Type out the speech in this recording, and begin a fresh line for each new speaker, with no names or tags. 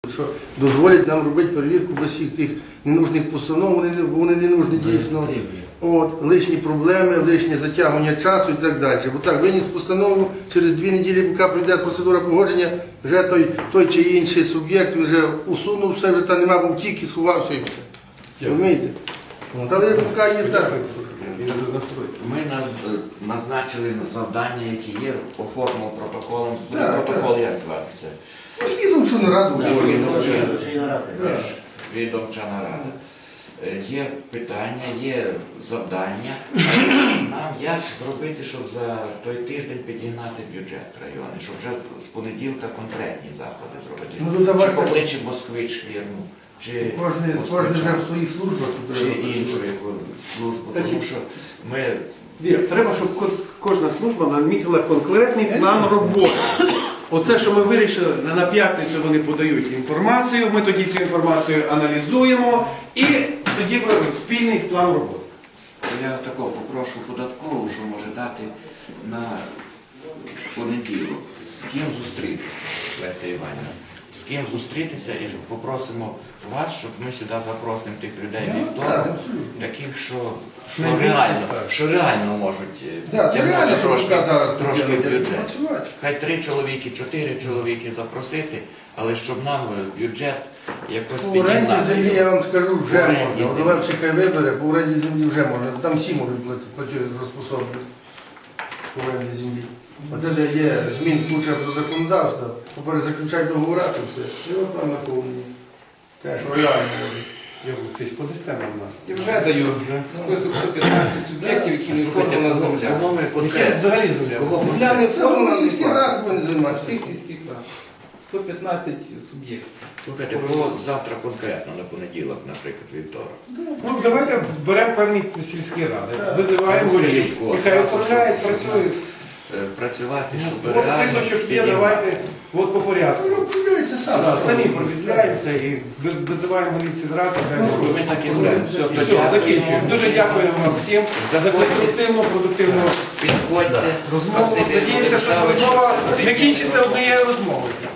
Що дозволять нам робити перевірку без всіх тих ненужних постанов, вони не нужні дійсно. Лишні проблеми, лишнє затягування часу і так далі. Бо так, виніс постанову, через 2 неділі, поки прийде процедура погодження, вже той чи інший суб'єкт вже усунув все, вже там нема, був тільки сховався і все. Розумієте? Але поки є так.
Ми назначили завдання, які є, оформили протоколом. Протокол як зватися?
Відомчу нараду.
Відомча нарада. Є питання, є завдання. Нам як зробити, щоб за той тиждень підігнати бюджет району, щоб вже з понеділка конкретні заходи зробити. Чи покличе Москвич фірму, чи
кожен вже в своїх службах,
чи іншу яку службу. Тому що ми...
Треба, щоб кожна служба намітила конкретний план роботи. Оце, що ми вирішили, на п'ятницю вони подають інформацію, ми тоді цю інформацію аналізуємо і тоді спільний план роботи.
Я такого попрошу податкову, що може дати на понеділок. З ким зустрітися, Леся Іванівна? З ким зустрітися і попросимо вас, щоб ми сюди запросимо тих людей вівторок, таких, що реально можуть тягнути трошки бюджет. Хай 3 чоловіки, 4 чоловіки запросити, але щоб нам бюджет якось підігнати.
По оренді землі, я вам скажу, вже можна. Олевчик хай вибере, по оренді землі вже можна. Там всі можуть платежоспособні по оренді землі. От де є змін куча до законодавства, перезаключати договори, то все. І от вам наповнені. Те, що реально може.
І вже даю список 115 суб'єктів, які не оформлена земля.
Кого ми конкретно?
Взагалі земля.
Земля не оформлена,
сільські ради повинні займатися.
всіх сільських рад. 115 суб'єктів.
Слухайте, було завтра конкретно, на понеділок, наприклад, вівторок.
Ну, давайте беремо певні сільські ради, визиваємо голів, нехай оформляють, працюють.
Працювати, щоб
От
реально
списочок є, давайте, от по порядку.
Ну, подивіться сам.
Самі провідляємося і визиваємо голів сільрад.
ми так і зробимо.
Все, закінчуємо. Дуже дякую вам всім за продуктивну
Підходьте.
розмову. Надіємося, що розмова не кінчиться однією розмовою.